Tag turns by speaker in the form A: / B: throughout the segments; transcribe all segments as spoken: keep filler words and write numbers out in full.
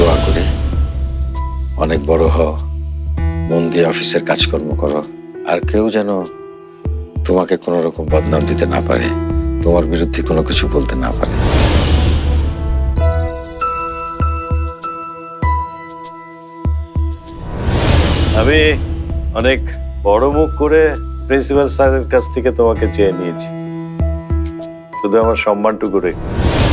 A: দোয়া করি অনেক বড় হও, মন দিয়ে অফিসের কাজকর্ম করো, আর কেউ যেন তোমাকে কোনো রকম বদনাম দিতে না পারে, তোমার বিরুদ্ধে কোনো কিছু বলতে না পারে।
B: আমি অনেক বড় মুখ করে প্রিন্সিপাল স্যারের কাছ থেকে তোমাকে চেয়ে নিয়েছি, শুধু আমার সম্মানটুকু রেখে।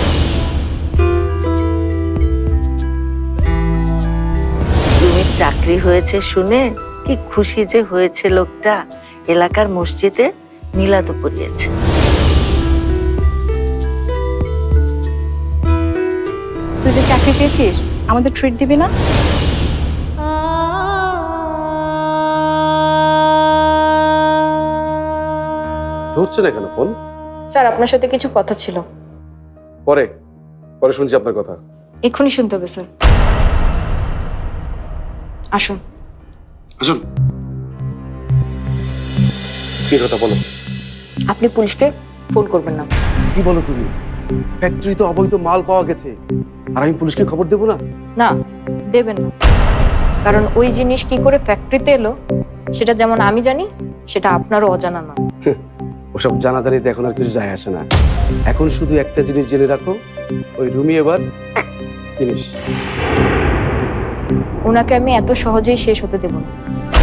C: রুমির চাকরি হয়েছে শুনে কি খুশি যে হয়েছে লোকটা, এলাকার মসজিদে মিলাদও পড়িয়েছে।
D: তুই যে চাকরি পেয়েছিস আমাদের ট্রিট দিবি না?
E: ধরছে না কেন ফোন?
D: স্যার আপনার সাথে কিছু কথা ছিল।
E: পরে পরে শুনছি আপনার কথা।
D: এক্ষুনি শুনতে হবে স্যার। আসুন
E: আসুন। কি কথা বলো?
D: আপনি পুলিশকে ফোন করবেন না।
E: কি বলো তুমি? ফ্যাক্টরি তো অবৈধ মাল পাওয়া গেছে, আর আমি পুলিশকে খবর দেবো না?
D: না, দেবেন না। কারণ ওই জিনিস কি করে ফ্যাক্টরিতে এলো সেটা যেমন আমি জানি, সেটা আপনারও অজানা না।
E: ওসব জানাজানিতে এখন আর কিছু যায় আসে না। এখন শুধু একটা জিনিস জেনে রাখো, ওই রুমি এবার জিনিস
D: ওনাকে আমি এত সহজেই শেষ হতে দেব না।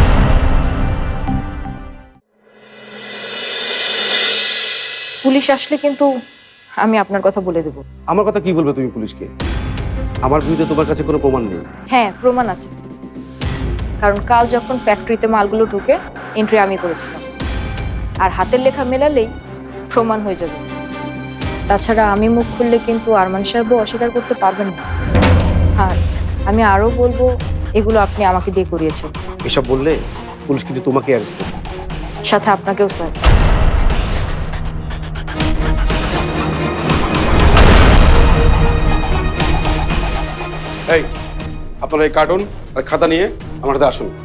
D: পুলিশ আসলে কিন্তু আমি আপনার কথা বলে দেব।
E: আমার কথা কি বলবে তুমি পুলিশকে? আমার বিরুদ্ধে তোমার কাছে কোনো প্রমাণ নেই।
D: হ্যাঁ, প্রমাণ আছে। কারণ কাল যখন ফ্যাক্টরিতে মালগুলো ঢুকে এন্ট্রি আমি করেছিলাম, আর হাতের লেখা মেলালেই প্রমাণ হয়ে যাবে। তাছাড়া আমি মুখ খুললে কিন্তু আরমান সাহেবও অস্বীকার করতে পারবেন না। আর আমি আরও বলবো, এগুলো আপনি আমাকে দিয়ে করিয়েছেন।
E: এসব বললে পুলিশ কিন্তু তোমাকে অ্যারেস্ট করবে,
D: সাথে আপনাকেও স্যার।
E: এই আপনারা এই কার্টুন আর খাতা নিয়ে আমার সাথে আসুন।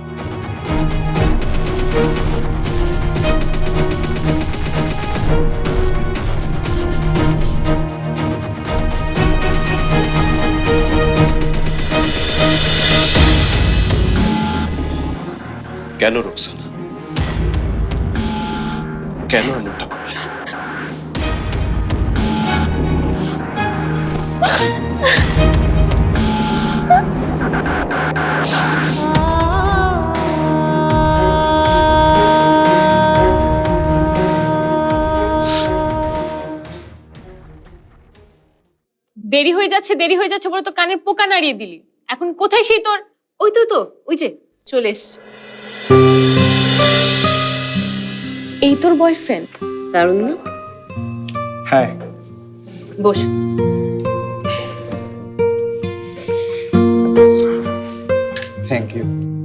F: কেন রোকসানা, কেন এমনটা করলে?
G: দেরি হয়ে যাচ্ছে দেরি হয়ে যাচ্ছে বলে তো কানের পোকা নাড়িয়ে দিলি। এখন কোথায় সেই তোর? ওই তো তো ওই যে চলে এসছে। এই তোর বয়ফ্রেন্ড? দারুণ না?
H: হ্যাঁ।
G: বস।
H: Thank you.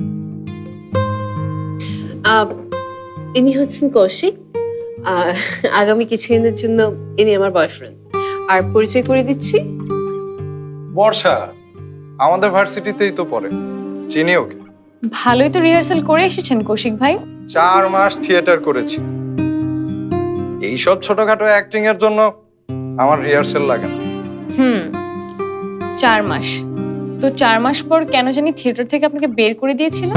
I: ইনি হচ্ছেন কৌশিক। আগামী কিছুদিনের জন্য ইনি আমার বয়ফ্রেন্ড। আর পরিচয় করে দিচ্ছি,
H: বর্ষা আমাদের ভার্সিটিতেই তো পড়ে, চিনি ওকে।
G: ভালোই তো রিহার্সাল করে এসেছেন কৌশিক ভাই।
H: চার মাস থিয়েটার করেছি। এইসব ছোটখাটো অ্যাক্টিং এর জন্য আমার রিহার্সাল লাগে না।
G: হুম, চার মাস তো চার মাস পর কেন জানি থিয়েটার থেকে আপনাকে বের করে দিয়েছিল।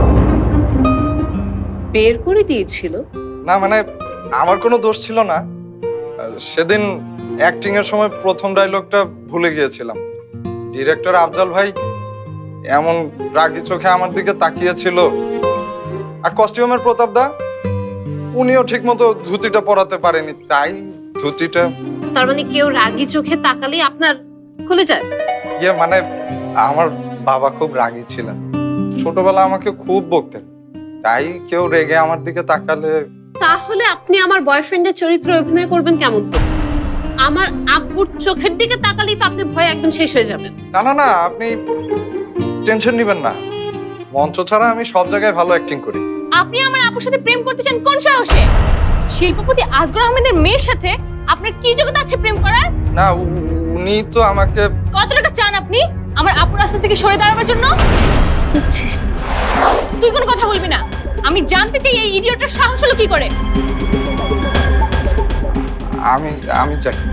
I: বের করে দিয়েছিল?
H: না মানে আমার কোনো দোষ ছিল না। সেদিন অ্যাক্টিং এর সময় প্রথম ডায়লগটা ভুলে গিয়েছিলাম। ডিরেক্টর আফজাল ভাই এমন রাগি চোখে আমার দিকে তাকিয়েছিল, আর কস্টিউমের প্রতাপ দা উনিও ঠিকমতো ধুতিটা পরাতে পারেনি, তাই ধুতিটা।
I: তার মানে কেউ রাগি চোখে তাকালে আপনার খুলে যায়?
H: ইয়ে মানে আমার বাবা খুব রাগী ছিলেন, ছোটবেলা আমাকে খুব বকতেন, তাই কেউ রেগে আমার দিকে তাকালে।
I: তাহলে আপনি আমার বয়ফ্রেন্ডের চরিত্রে অভিনয় করবেন কেমন করে? আমার আব্বুর চোখের দিকে তাকালেই তো আপনি ভয় একদম শেষ হয়ে যাবেন।
H: না না না, আপনি টেনশন নেবেন না, মঞ্চ ছাড়া আমি সব জায়গায় ভালো অ্যাক্টিং করি।
G: আপনি আমার আপুর সাথে প্রেম করতে চান কোন সাহসে? শিল্পপতি আজগর আহমেদের মেয়ের সাথে আপনার কি যোগ্যতা আছে প্রেম করার?
H: না, উনি তো আমাকে।
G: কত টাকা চান আপনি আমার আপুর রাস্তা থেকে সরে দাঁড়ানোর জন্য? তুই কোনো কথা বলবি না। আমি জানতে চাই এই ইডিয়টের সাহস হলো কি করে।
H: আমি আমি চাই